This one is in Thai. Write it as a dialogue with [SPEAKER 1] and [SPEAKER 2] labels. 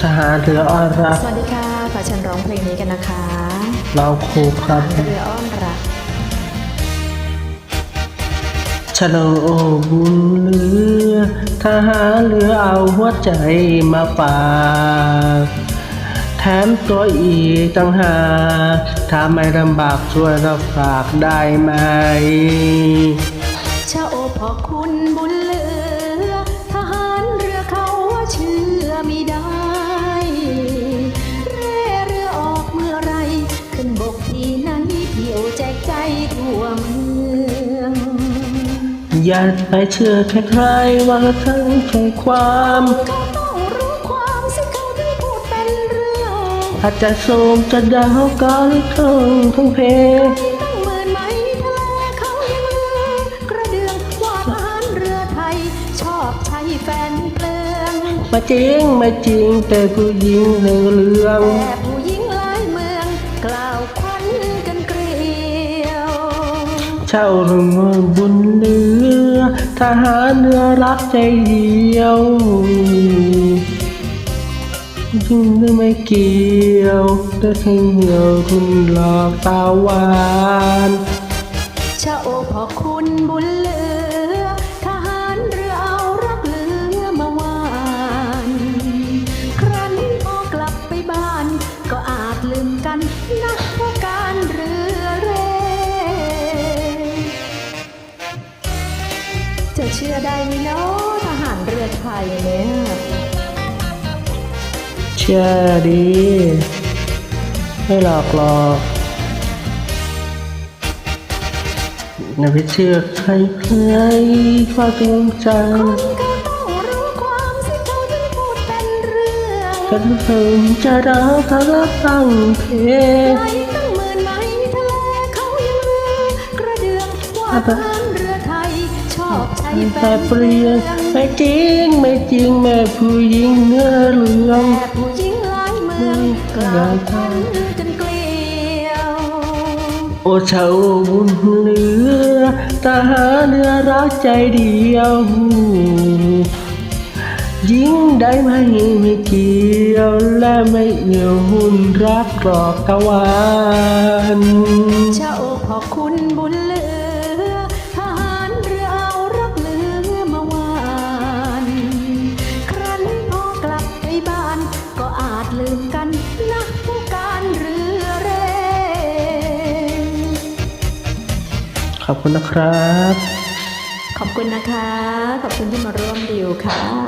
[SPEAKER 1] หารเรืออ้อนรัก
[SPEAKER 2] สวัสดีค่ะขอเชิญร้องเพลงนี้กันนะคะ
[SPEAKER 1] เราครูครับ
[SPEAKER 2] เรืออ้อนรัก
[SPEAKER 1] ฉลองโอ้บุญเรือทหารเรือเอาหัวใจมาฝากแถมตัวอีกต่างหากถ้าไม่ลำบากช่วยเราฝากได้ไหม
[SPEAKER 2] ชาโอพอคุณบุญเหลือทหารเรือเขาว่าเชื่อไม่ได้เร่เรือออกเมื่อไรขึ้นบกที่ไหนเที่ยวแจกใจทั่วเมือง
[SPEAKER 1] อย่าไปเชื่อใครๆว่าทั้งใจความ
[SPEAKER 2] เขาต้องรู้ความสิเขาถึงพูดเป็นเรื่อง
[SPEAKER 1] อาจจะโสมจะดาวก็หรือทั้งเพ
[SPEAKER 2] ตั้งหมื่นไหมทะเลเขายังลือกระเดืองว่าทหารเรือไทยชอบใช้แฟนเปลือง
[SPEAKER 1] ไม่จริงไม่จริงแต่ผู้หญิงในเรื่อง
[SPEAKER 2] แต่ผู้หญิงหลายเมืองกล่าวควันกันเกลียว
[SPEAKER 1] เช่าเรื่องบุญเรือทหารเรือรักใจเดียวยิ่งไม่เกี่ยวได้เที่ยวรุ่นหลอกตาหวาน
[SPEAKER 2] ชาโอพอคุณบุญเหลือทหารเรือเอารักเหลือมาวานครั้นพอกลับไปบ้านก็อาจลืมกันนะเพราะการเรือเร่จะเชื่อได้ไหมเนาะทหารเรือไทยเนี่ย
[SPEAKER 1] เชื่อดีไม่หลอกหลอกอย่าไปเชื่อใครความจริงใจ
[SPEAKER 2] ก็ต้องรู้ความสิเขาถึงพูดเป็นเรื่อง
[SPEAKER 1] ฉันเพิ่งจะรักเขารักตั้งเพ
[SPEAKER 2] ไหลตั้งหมื่นไหมทะเลเขายังลือกระเดืองว่าทหารเรือไทยชอบใช้แฟน
[SPEAKER 1] เปลี่ยนไม่จริงไม่จริงแม่ผู้หญิงเนื้อเหลือง
[SPEAKER 2] แต่ผู้หญิงหลายเมืองกล่าวควันกันเกลียว
[SPEAKER 1] โอ้ชาวบุญเหลือทหารเรือรักใจเดียวยิ่งได้ไหมไม่เกี่ยวและไม่เอี่ยวหุ่นรักกรอกตะวัน
[SPEAKER 2] ชาโอพอคุณบุญเหลือทหารเรือเอารักเหลือมาวานครั้นพอกลับไปบ้านก็อาจลืมกันนะผู้การเรือเร่
[SPEAKER 1] ขอบคุณนะครับ
[SPEAKER 2] ขอบคุณนะคะขอบคุณที่มาร่วมดิวค่ะ